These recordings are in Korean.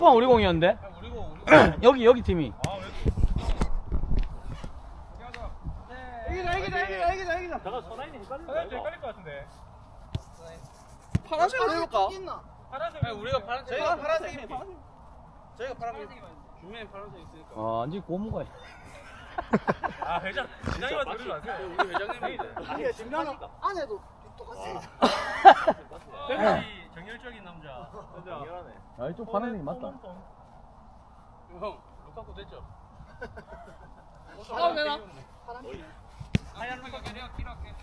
뻥 우리 공이었는데? 우리 공. 여기 팀이. 이기자. 잠깐 선아인이 헷갈릴 것 같은데. 파란색으로 해볼까? 파란색. 아니, 우리가 파란색. 저희가 파란색이네. 저희가 파란색. 중간에 파란색 있으니까. 완전 고무가. 아 회장. 회장님한테 그러지 마세요. 우리 회장님이. 아니 지금 안에도 똑같이. 역시 정열적인 남자. 정열하네. 아, 이쪽 파란 색이 맞다. 형, 루카쿠 됐죠? 파란 되나? 하얀 루카쿠 내가 키로할게.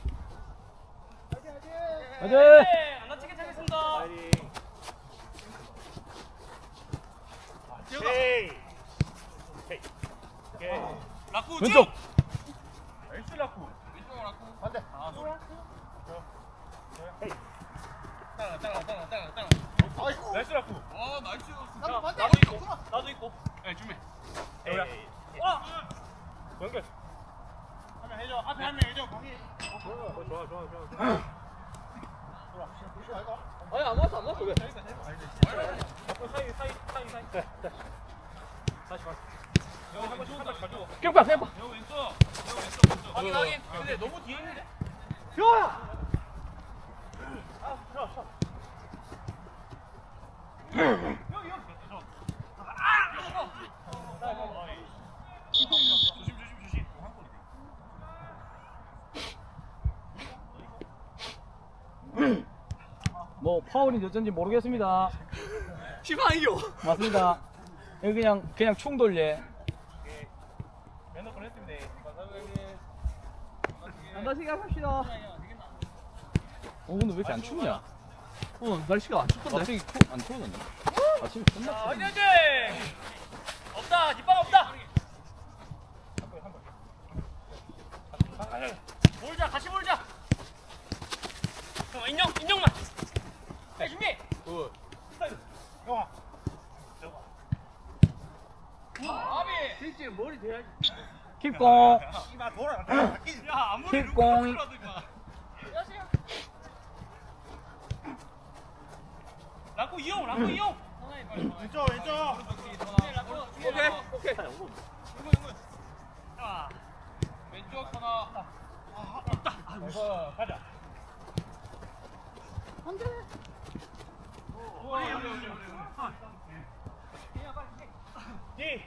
화이팅! 안 다치게 차겠습니다. 라쿠 왼쪽! 나이스 라쿠. 왼쪽 라쿠. 반대. 아, 좋아. 따라. 아이고. 나이스 라쿠. 나이스. 나도 반대. 나도 있고. 예, 준비. 여기야. 와! 연결. 한명 해줘. 앞에 한 명 해줘. 거기. 좋아. 아니 안 맞았어 왜? 사이. 다시 가. 여기 한 번씩 가져. 격박! 여기 왼쪽. 확인. 근데 너무 뒤에 있는데. 효야! 여기. 조심. 뭐 파울인지 어쩐지 모르겠습니다. 시방이요. 맞습니다. 여기 그냥 충돌예. 면허 보냈습니다. 안 다치게 합시다. 근데 왜 이렇게 안 춥냐? 날씨가 안 춥던데. 갑자기 안 추워졌네. 아침에 자, 끝났어. 황현재! 없다, 뒷방 없다! 몰자, 같이 몰자! 형, 인형만! 네, 준비! 형아. 아비! 실제 머리 대야지. 킵공! 이마 돌아. 야, 아무리 킥공. 루카쿠라도 임마. 라쿠 이용! 왼쪽! 오케이. 자, 왼쪽 하나. 없다. 가자. 안 돼. 뒤.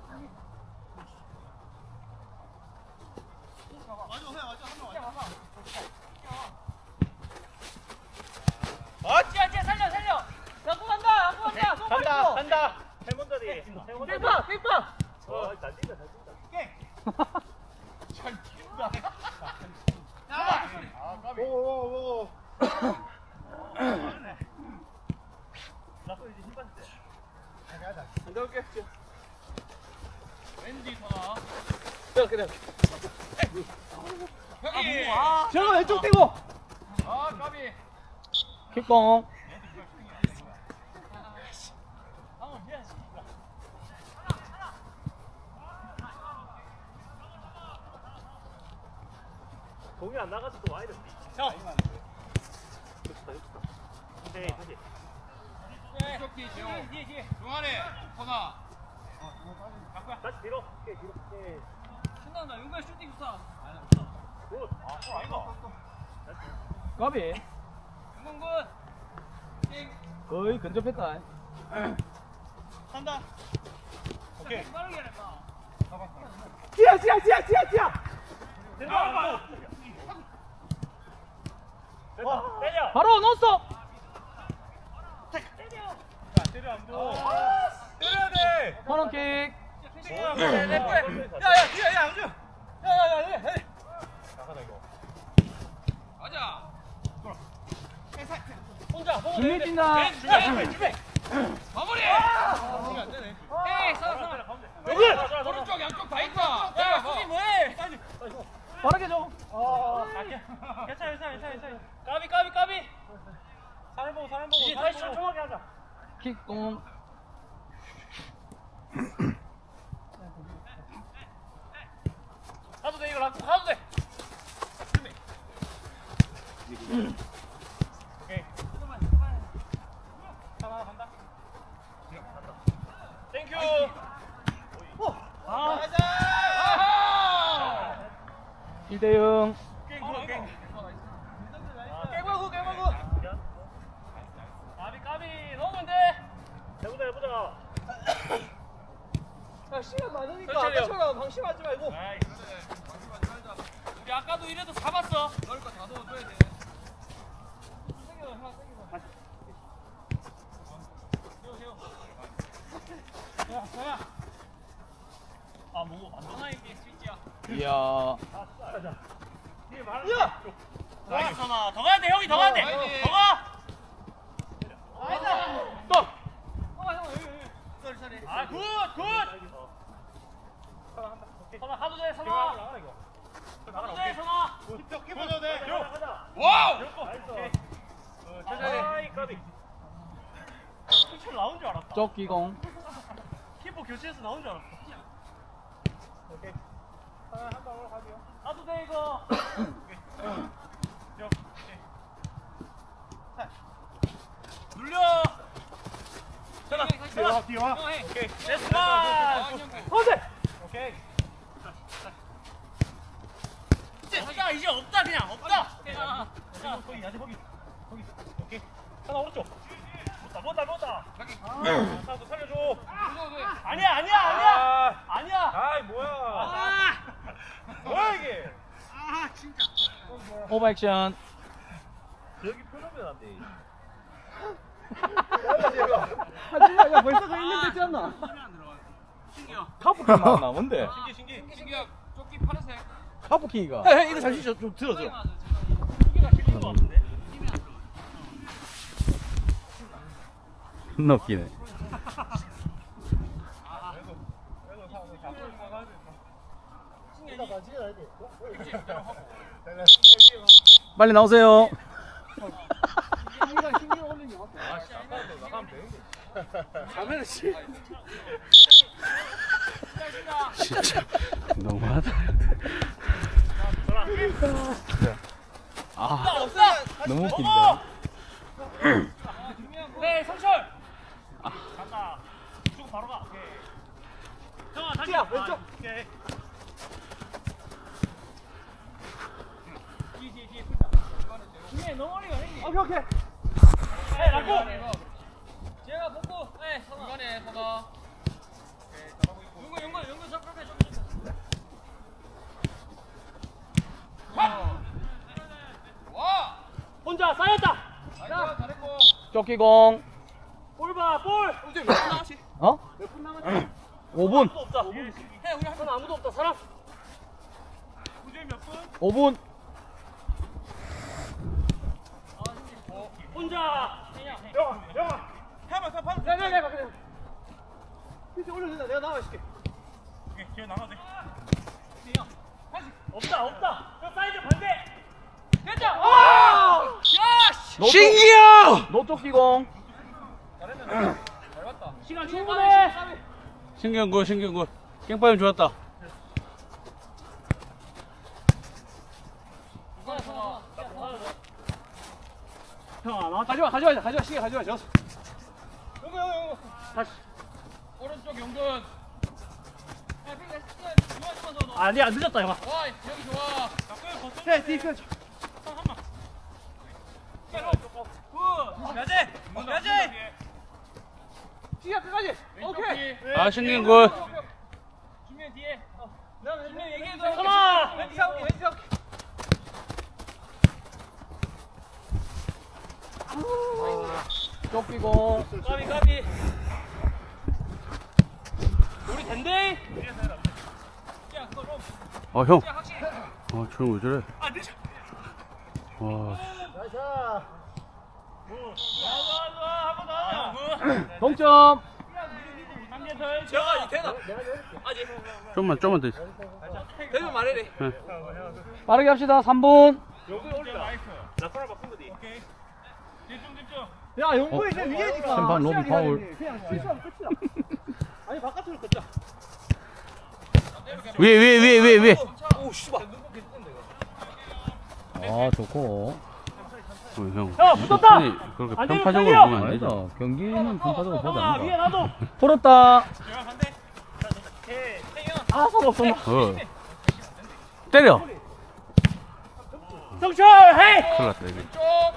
찌야 살려. 갖고 간다. 간다. 해본다리. 삐빠. 잘 뛴다. 잘 뛴다. 오. 라쿠 이제 힘 빠졌대. 안 들어올게. 왼뒤 선아. 그래. 형이. 저거 왼쪽 떼고! 까비. 킥공! 공이 안 나가서 또 와야 돼. 형. 네, 다시. 뒤, 뒤에. 중간에 선아. 다시 뒤로. 뒤로. 신난다. 용발 슈팅 좋다. 굿. 아이고. 까비! 용군. 거의 근접했다. 한다. 오케이. 빠르게 해라. 찌야! 됐다. 때려. 바로 넣었어! 자, 때려 안 돼. 때려야 돼. 코너킥! 야야 뒤에 야 안주. 야야야. 나가다 이거. 가자. 혼자. 준비 뛴다! 준비. 마무리. 이게 안 되네. 에이, 살아. 여기. 오른쪽 양쪽 다 있다. 야, 수비 뭐해? 빠르게 줘! 괜찮아. 까비. 사람 보고. 이제 다시 천천하게 하자. 킥공! 가도 돼 이거 라쿠 가도 돼. 오케이. 하나 간다. 간다. 아, 1대0. 깨물고 깨물고. 까비 까비 넣으면 돼. 해보자. 야, 시간 많으니까 천천히요. 아까처럼 방심하지 말고. 우리 아까도 이래도 잡았어. 넣을 거 다 넣어줘야 돼. 아, 뭐, 안 전화 이게 스위치야. 이야. 야! 나이스, 선아. 더 가야 돼, 형이 더 가야 돼. 더 가! 또. 아, 굿! 선아, 하도 돼, 선아. 하도 돼, 선아. 기뻐줘도 돼. 와우. 아이, 까비. 피처 나온 줄 알았다. 쫓기공. 키퍼 교체해서 나온 줄 알았어. 오케이. 한 방울 가세요. 나도 돼, 이거. 눌려. 전화. 뒤와. 오케이. 됐어. 어제! 오케이. 이제 없다 그냥 없다. 거기 야지 거기. 오케이. 하나 오른쪽. 못다. 나도 살려줘. 아니야. 아이, 뭐야. 뭐야 이게? 오버액션. 여기 표정면 안 돼. 하지마, 야, 벌써 그 있는 데지 않나? 카프킹 나왔나 뭔데? 신기. 신기야. 조끼 파란색. 카프킹이가. 이거 잠시 좀 들어줘. 여기가 실린 거 같은데? 존나 웃기네. 빨리 나오세요. 항상 신경 올리는 게 맞다. 가면은 씨. 진짜 너무하다. 아, 너무 웃긴다. 네, 성철. 간다. 쭉 바로 가. 오케이. 형아 다시. 뛰어, 왼쪽. 오케이. 뒤에 풀자. 중에 너머리가 형님. 오케이. 해 라고. 제가 보고. 네, 선아. 중간에 선아. 용근 접근해. 와. 혼자 쌓였다. 잘했고. 쫓기공. 볼 봐, 볼. 몇 분 남았지? 어? 몇분 남았지? 5분. 아무도 없다. 해, 우리 한 선 아무도 없다, 사람. 우주인 몇 분? 5분. 혼자. 영아. 해봐. 내가 그래. 밑에 올려준다. 내가 나와줄게. 오케이, 기회 나가도 돼. 없다. 저 사이드 반대. 됐다. 아! 야, 씨. 신기야! 너 쫓기공. 잘 봤다. 시간 충분해. 신기한 거. 깽빠임 좋았다. 형아, 나 가져와. 시계 가져와. 저. 용거. 다시. 오른쪽 용근. 아니야, 늦었다, 형아. 와, 여기 좋아. 해, 디펜스. 야재. 시계 끝까지. 오케이. 아, 신기한 거. 준비해 뒤에. 내가 얘기해줘. 선아. 왼쪽 잡을게. 쫓기공. 까비. 우리 된대. 야, 그거 롬. 아, 형. 야, 확실히. 아, 저런 왜 저래? 아, 늦어. 와. 나이스. 좋아. 한번 더. 동점. 한개 더. 제가 이 되나? 좀만 더 있어. 되면 말해래. 네. 빠르게 합시다. 3분. 나 코너 바꾼 거지. 오케이. 집중. 야, 용거 이제 위에니까. 심판 로비 시작이 파울. 해야지. 그냥 실수하면 끝이야. 아니, 바깥으로 걷자. 위에. 오, 씨발. 아, 좋고. 형. 야, 붙었다! 그렇게 안 되면 편파적으로 빨리요! 보면 안 되죠. 경기는 편파적으로 보자. 형아, 위에 놔둬. 풀었다. 제가 반대. 아, 손 없어. 때려. 성철 헤이. 큰일 났다, 이거.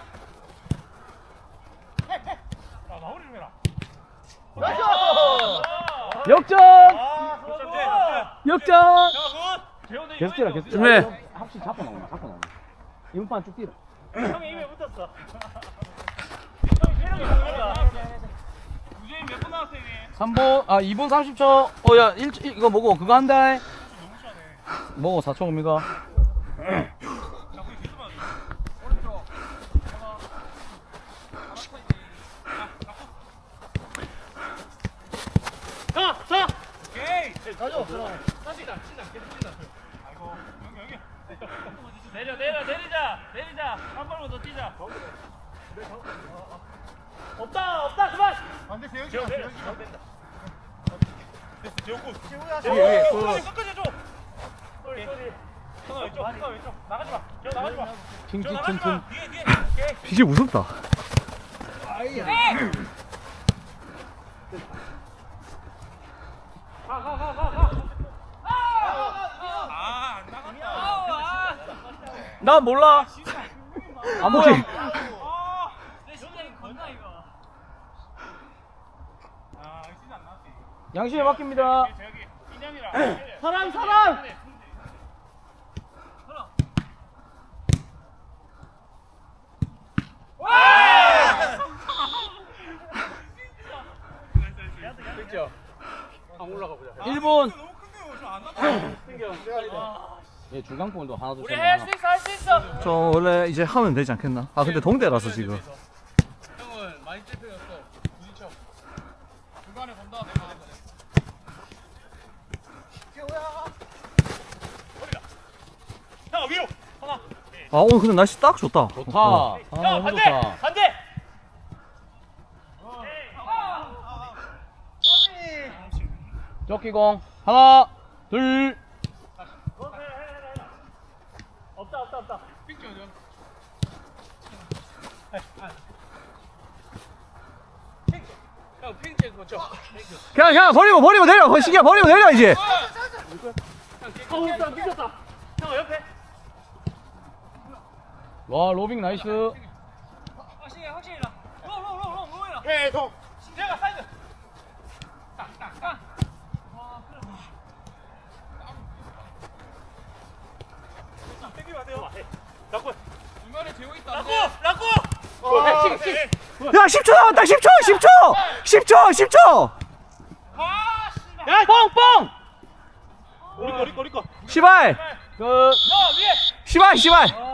아 마무리 좀 해라. 역전! 역전! 계속 뛰라, 계속 준비해. 확실히 잡고 나온다. 잡고 나온다. 이번판 쭉 뛰라. 형이 입에 붙었어. 형이 체력이 붙었다. 우재인 몇분 나왔어요, 형님? 3분, 2분 30초. 야, 이거 뭐고, 그거 한다. 뭐고, 4초 옵니까? 오케이. 가져. 아이고, 여기. 내리자. 한 발만 더 뛰자. 없다, 그만. 안 돼, 세영이. 됐어, 재호군. 끝까지 해줘. 쏘리. 형아 왼쪽. 나가지 마. 저 나가지 마. 저 나가지 마. 뒤에. 오케이. 진짜 무섭다. 안 나갔다. 나 몰라. 안 보여. 내 심장이 건나 이거. 진짜 안 나왔지. 양심에 맡깁니다. 저기 인형이랑. 사람! 안 올라가 보자. 1분. 너무 큰데요. 저안 나가. 예, 중간골도 하나 더 우리 할 수 있어. 저 원래 이제 하면 되지 않겠나? 아 근데 동대라서 지금. 형은 많이 찝혀졌어. 부딪혀. 중간에 본다. 내가. 형아 위로. 하나. 아 오늘 근데 날씨 딱 좋다. 좋다. 어. 아, 형 너무 반대. 좋다. 반대. 조끼공. 하나, 둘. 없다. 픽지 어디야? 형 픽지 그거 줘. 그냥 버리고 내려. 시기야 버리고 내려 이제. 일단 미쳤다. 형아 옆에. 와, 로빙 나이스. 확실히 나. 로이라. 예, 동. 내가 사이드. 땡기면 안 돼요. 라고. 중간에 재호 있다. 라고. 야 10초 남았다. 10초. 아, 씨발. 야, 뻥! 우리 거. 시발. 끝. 야, 위에. 시발.